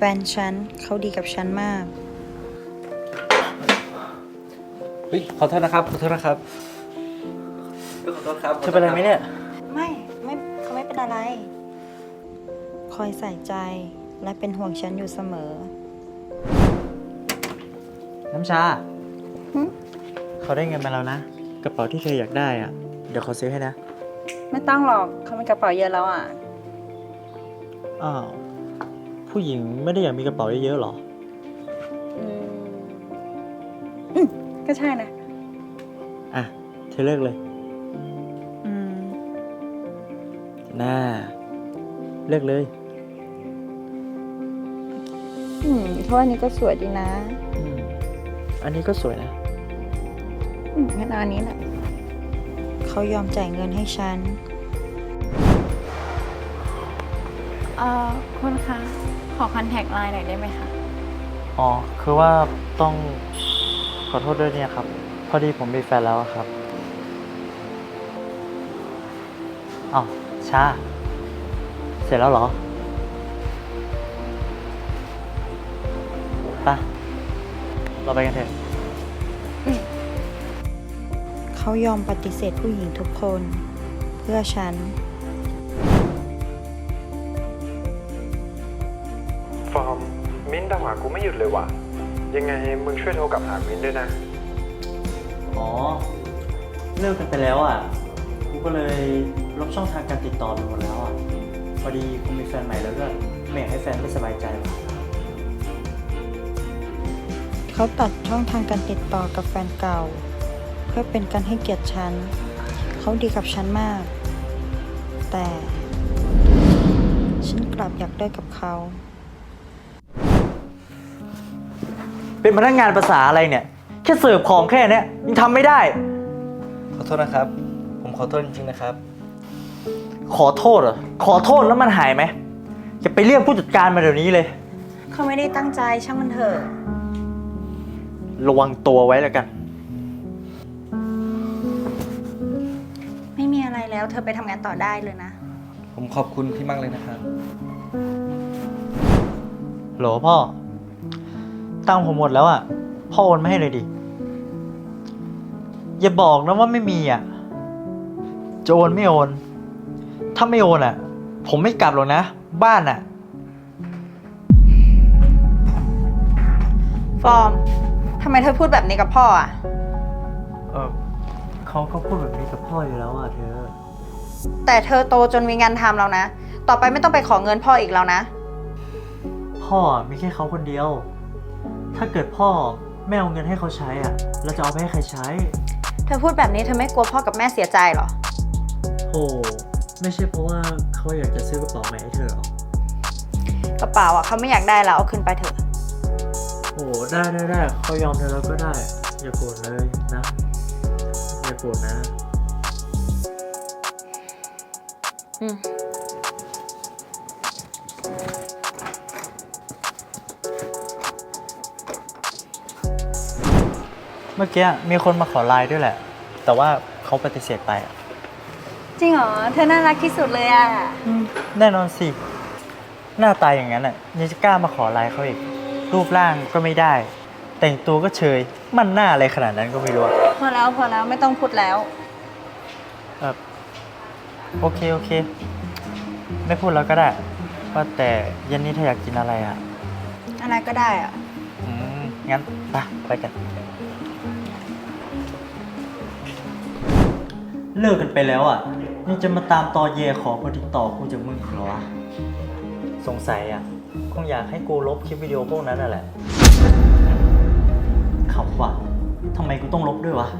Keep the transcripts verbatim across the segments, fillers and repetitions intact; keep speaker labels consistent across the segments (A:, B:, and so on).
A: นฉันเขาดีกับฉันมาก
B: เฮ้ยขอโทษนะครับขอโทษนะครับขอโทษครับ
C: จะเป็นอะไรไหมเนี่ย
A: ไม่ไม่เขาไม่เป็นอะไร คอยใส่ใจและเป็นห่วงฉันอยู่เสมอ
C: น้ำชา
A: หึ
C: เขาได้เงินมาแล้วนะกระเป๋าที่เธออยากได้อ่ะเดี๋ยวเขาซื้อให้นะ
A: ไม่ต้องหรอกเขามีกระเป๋าเยอะแล้วอ่ะ
C: อ้าวผู้หญิงไม่ได้อยากมีกระเป๋าเยอะๆหรอ
A: อืมอืมก็ใช่นะ
C: อ่ะเธอเลือกเลย
A: อืม
C: น่าเลือกเลย
A: อืมเพราะอันนี้ก็สวยดีนะ
C: อืมอันนี้ก็สวยนะ
A: อืมงั้นเอาอันนี้แหละเขายอมจ่ายเงินให้ฉัน
D: เอ่อคุณคะ ขอคอนแทคไลน์หน่อยได้ไหมคะ
C: อ๋อคือว่าต้องขอโทษด้วยเนี่ยครับพอดีผมมีแฟนแล้วอะครับอ้าวชาเสร็จแล้วเหรอไปเราไปกันเถอะ
A: เขายอมปฏิเสธผู้หญิงทุกคน เพื่อฉัน
E: ฟอร์มมิ้นท์โทรหากูไม่หยุดเลยว่ะ ยังไงมึงช่วยโทรกลับหามิ้นท์ด้วยนะ
C: อ๋อเลิกกันไปแล้วอ่ะกูก็เลยลบช่องทางการติดต่อไปหมดแล้วอ่ะพอดีกูมีแฟนใหม่แล้วก็ไม่อยากให้แฟนไม่สบายใจว่ะ
A: เขาตัดช่องทางการติดต่อกับแฟนเก่า เพื่อเป็นการให้เกียรติฉัน เขาดีกับฉันมาก แต่ ฉันกลับอยากได้กับเขา
C: เป็นพนักงานภาษาอะไรเนี่ยแค่เสิร์ฟของแค่เนี้ยยังทำไม่ได้
B: ขอโทษนะครับผมขอโทษจริงๆนะครับ
C: ขอโทษเหรอขอโทษแล้วมันหายไหมจะไปเรียกผู้จัดการมาเดี๋ยวนี้เลย
A: เขาไม่ได้ตั้งใจช่างมันเถอะ
C: ระวังตัวไว้แล้วกัน
A: ไม่มีอะไรแล้ว เธอไปทำงานต่อได้เลยนะ
B: ผมขอบคุณพี่มากเลยนะครับ
C: โหลพ่อตังค์ผมหมดแล้วอ่ะพ่อโอนมาให้เลยดิอย่าบอกนะว่าไม่มีอ่ะจะโอนไม่โอนถ้าไม่โอนอ่ะ ผมไม่กลับหรอกนะบ้านอ่ะ
A: ฟอร์ม ทำไมเธอพูดแบบนี้กับพ่ออ่ะ
C: เออเขาก็พูดแบบนี้กับพ่ออยู่แล้วอ่ะเธอ
A: แต่เธอโตจนมีงานทำแล้วนะ ต่อไปไม่ต้องไปขอเงินพ่ออีกแล้วนะ
C: พ่อมีแค่เขาคนเดียว ถ้าเกิดพ่อไม่เอาเงินให้เขาใช้อ่ะเราจะเอาไปให้ใครใช้
A: เธอพูดแบบนี้เธอไม่กลัวพ่อกับแม่เสียใจเหรอ
C: โอ้ไม่ใช่เพราะว่าเขาอยากจะซื้อกระเป๋าใหม่ให้เธอหรอก
A: กระเป๋าอ่ะเขาไม่อยากได้แล้วเอาคืนไปเถอะ
C: โอ้ได้ได้ได้เขายอมเธอแล้วก็ได้ อย่าโกรธเลยนะ อย่าโกรธนะ
A: อืม
C: เมื่อกี้มีคนมาขอไลน์ด้วยแหละ แต่ว่าเขาปฏิเสธไปอ่ะ
A: จริงเหรอ เธอน่ารักที่สุดเลยอ่ะ
C: แน่นอนสิ หน้าตาอย่างนั้นอ่ะยังจะกล้ามาขอไลน์เขาอีก รูปร่างก็ไม่ได้ แต่งตัวก็เชย มันหน้าอะไรขนาดนั้นก็ไม่รู้อะ
A: พอแล้วพอแล้วไม่ต้องพูดแล้ว
C: เออโอเคโอเค ไม่พูดแล้วก็ได้ ว่าแต่เย็นนี้เธออยากกินอะไรอ่ะ
A: อะไรก็ได้อ่ะ
C: อืม งั้นไปไปกัน เลิกกันไปแล้วอ่ะ ยังจะมาตามตอแยขอคนติดต่อกูจากมึงอีกเหรอวะสงสัยอ่ะ คงอยากให้กูลบคลิปวิดีโอพวกนั้นน่ะแหละขำว่ะทำไมกูต้องลบด้วยวะ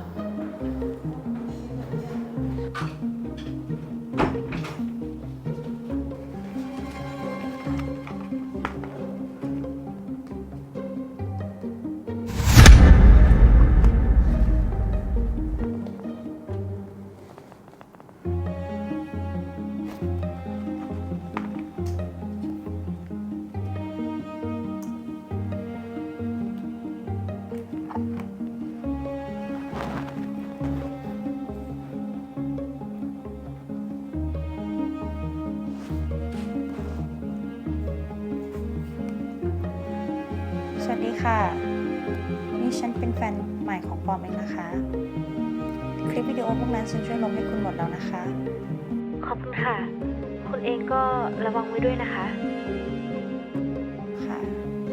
A: วัสดีค่ะ นี่ฉันเป็นแฟนใหม่ของปอมเองนะคะ คลิปวิดีโอพวกนั้นฉันช่วยลงให้คุณหมดแล้วนะคะ
F: ขอบคุณค่ะ คุณเองก็ระวังไว้ด้วยนะคะ
A: ค่ะ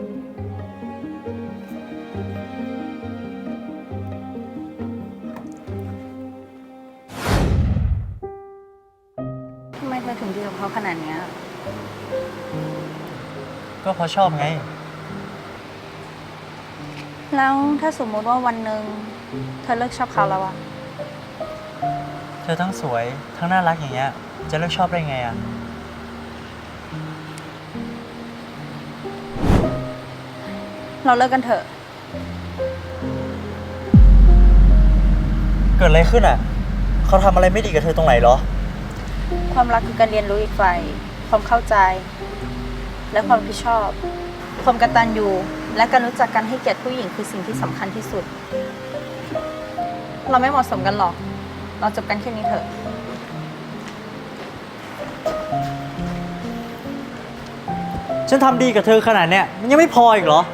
D: ทำไมเธอถึงดีกับเขาขนาดเนี้ย
C: ก็เพราะชอบไง
D: แล้วถ้าสมมติว่าวันหนึ่งเธอเลิกชอบเขาแล้วอะ
C: เธอทั้งสวยทั้งน่ารักอย่างเงี้ย จะเลิกชอบได้ไงอ่ะ
D: เราเลิกกันเถอะ
C: เกิดอะไรขึ้นอ่ะ เขาทำอะไรไม่ดีกับเธอตรงไหนเหรอ
D: ความรักคือการเรียนรู้อีกฝ่ายความเข้าใจ และความรับผิดชอบ ความกตัญญูและการรู้จักการให้เกียรติผู้หญิงคือสิ่งที่สำคัญที่สุด เราไม่เหมาะสมกันหรอก เราจบกันแค่นี้เถอะ
C: ฉันทำดีกับเธอขนาดเนี้ยมันยังไม่พออีกเหรอ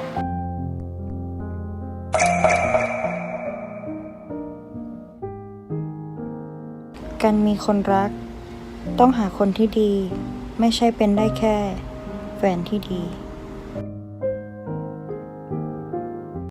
A: การมีคนรัก ต้องหาคนที่ดี ไม่ใช่เป็นได้แค่แฟนที่ดี